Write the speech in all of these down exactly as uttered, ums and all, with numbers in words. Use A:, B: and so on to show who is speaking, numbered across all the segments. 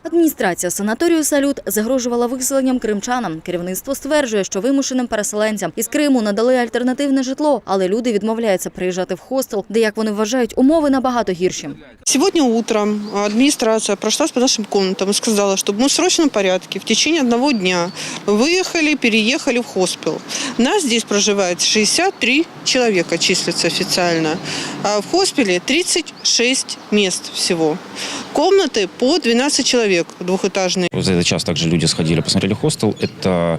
A: Адміністрація санаторію «Салют» загрожувала виселенням кримчанам. Керівництво стверджує, що вимушеним переселенцям із Криму надали альтернативне житло, але люди відмовляються приїжджати в хостел, де, як вони вважають, умови набагато гірші.
B: Сегодня утром администрация прошлась по нашим комнатам и сказала, чтобы мы в срочном порядке в течение одного дня выехали, переехали в хоспел. Нас здесь проживает шестьдесят три человека, числится официально. А в хоспеле тридцать шесть мест всего. Комнаты по двенадцать человек двухэтажные.
C: За этот час также люди сходили, посмотрели хостел. Это,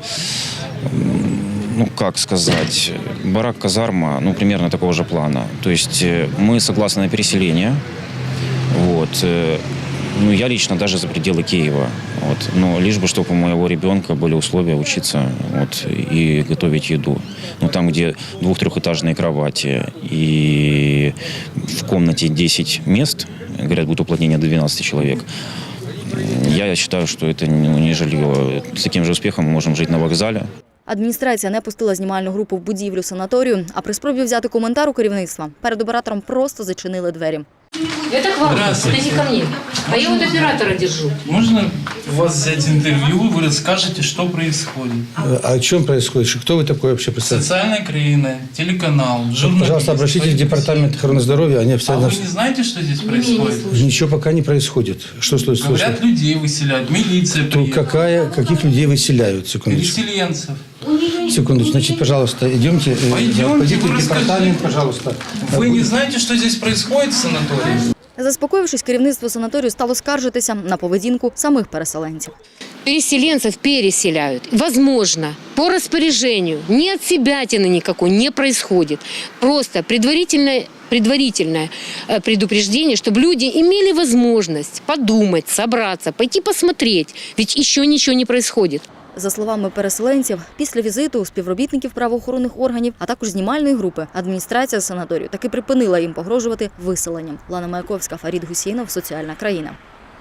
C: ну как сказать, барак-казарма, ну примерно такого же плана. То есть мы согласны на переселение. Вот. Ну, я лично даже за пределы Киева. Вот. Но лишь бы, чтобы у моего ребенка были условия учиться вот, и готовить еду. Ну, там, где двух-трехэтажные кровати и в комнате десять мест, говорят, будет уплотнение до двенадцати человек. Я считаю, что это не жилье. С таким же успехом мы можем жить на вокзале.
A: Адміністрація не пустила знімальну групу в будівлю санаторію, а при спробі взяти коментар у керівництва перед оператором просто зачинили двері.
D: Это к вам, это не ко мне. А я вот оператора держу.
E: Можно у вас взять интервью, вы расскажете, что происходит?
F: А о чем происходит? Кто вы такой вообще представитель?
E: Социальная краина, телеканал, журналист.
F: Пожалуйста, обращитесь в департамент охраны здоровья. Они
E: А
F: официально...
E: вы не знаете, что здесь происходит?
F: Ничего пока не происходит. Что случилось?
E: Говорят, людей выселяют, милиция
F: То
E: приедет.
F: какая, каких людей выселяют? Секундочку.
E: Переселенцев.
F: Секундочку. Значит, пожалуйста, идемте. э,
E: Пойдемте,
F: пойдите
E: вы
F: в департамент, пожалуйста.
E: Вы не знаете, что здесь происходит в санатории?
A: Заспокоївшись, керівництво санаторію стало скаржитися на поведінку самих переселенців.
D: Переселенцев переселяют. Возможно, по распоряжению, ни от себятины никакой не происходит. Просто предварительное, предварительное э, предупреждение, чтобы люди имели возможность подумать, собраться, пойти посмотреть. Ведь еще ничего не происходит.
A: За словами переселенців, після візиту у співробітників правоохоронних органів, а також знімальної групи, адміністрація санаторію таки припинила їм погрожувати виселенням. Лана Маяковська, Фарід Гусейнов, Соціальна країна.